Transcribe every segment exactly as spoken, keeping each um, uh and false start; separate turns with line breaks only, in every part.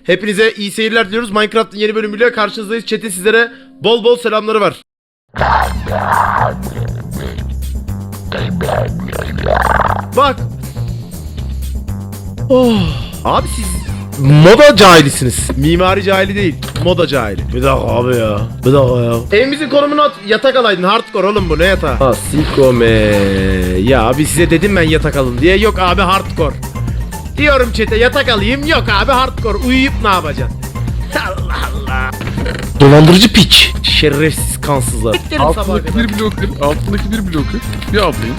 Hepinize iyi seyirler diliyoruz. Minecraft'ın yeni bölümüyle karşınızdayız. Chat'in sizlere bol bol selamları var. Bak. Oh. Abi siz moda cahilisiniz. Mimari cahili değil. Moda cahili. Bir dakika abi ya. Bir dakika ya. Evimizin konumunu at. Yatak alaydın. Hardcore oğlum bu. Ne yatağı? Ha sikome. Ya abi size dedim ben yatak alın diye. Yok abi hardcore. Diyorum chat'e yatak alayım. Yok abi hardcore. Uyuyup ne yapacaksın? Allah Allah. Dolandırıcı piç. Şerefsiz kansızlar.
Altındaki bir bloker, altındaki bir bloker. Bir ablayım.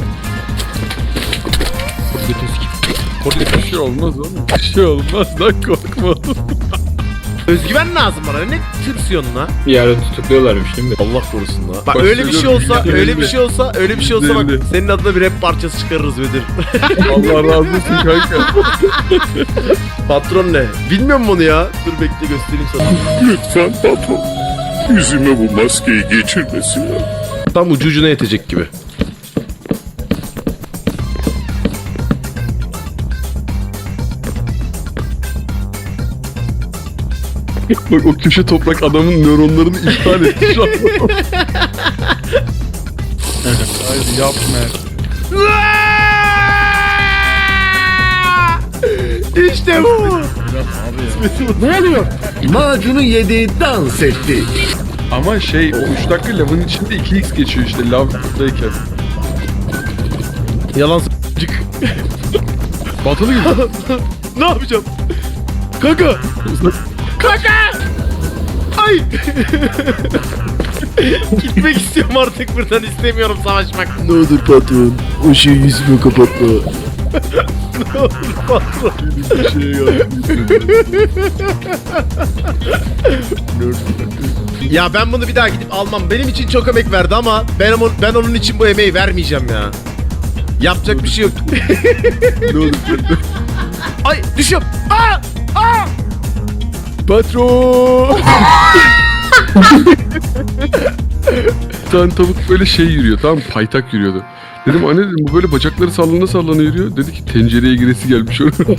Bir şey olmaz oğlum. Bir şey olmaz lan, korkma.
Özgüven lazım bana. Ne tırsıyorsun lan?
Bir ara tutukluyorlarmış değil mi?
Allah korusun lan. Bak
Bak,
öyle bir şey olsa,
yüzde
öyle bir
elli.
şey olsa, öyle bir şey olsa bak
yüzde elli.
senin adına bir rap parçası çıkarırız Bedir.
Allah razı olsun kanka.
Patron ne? Bilmiyorum bunu ya. Dur bekle göstereyim sana.
Lütfen patron, yüzüme bu maskeyi geçirmesinler.
Tam ucu ucuna yetecek gibi.
Bak o köşe toprak adamın nöronlarını iptal etti şu an. Haydi yapma.
İşte bu.
Ne oluyor? Macunu yedi, dans etti.
Ama şey o üç dakika lavın içinde iki x geçiyor işte lavdayken.
Yalan s**cık.
Batılı gibi.
Ne yapacağım? Kanka. Kanka. Ay. Gitmek istiyorum artık buradan, istemiyorum savaşmak.
Ne olur patron, o şeyi yüzüme kapatma.
Ne olur patron.
Bir şey yapmışsın.
Ya ben bunu bir daha gidip almam. Benim için çok emek verdi ama ben, ama, ben onun için bu emeği vermeyeceğim ya. Yapacak bir şey yok.
Ne olur.
Ay düşüyorum. Aa! Aa!
Patron. Bir tane tavuk böyle şey yürüyor, tamam mı? Paytak yürüyordu. Dedim anne dedim bu böyle bacakları sallana sallana yürüyor. Dedi ki tencereye giresi gelmiş oraya.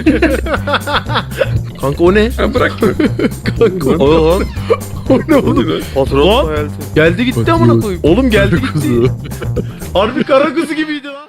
Kanka o ne?
Ha bırakma.
Kanka o lan. O ne oğlum?
Patron
Lan geldi gitti amına koyayım. Oğlum geldi gitti.
Kuzu.
Harbi kara kuzu gibiydi lan.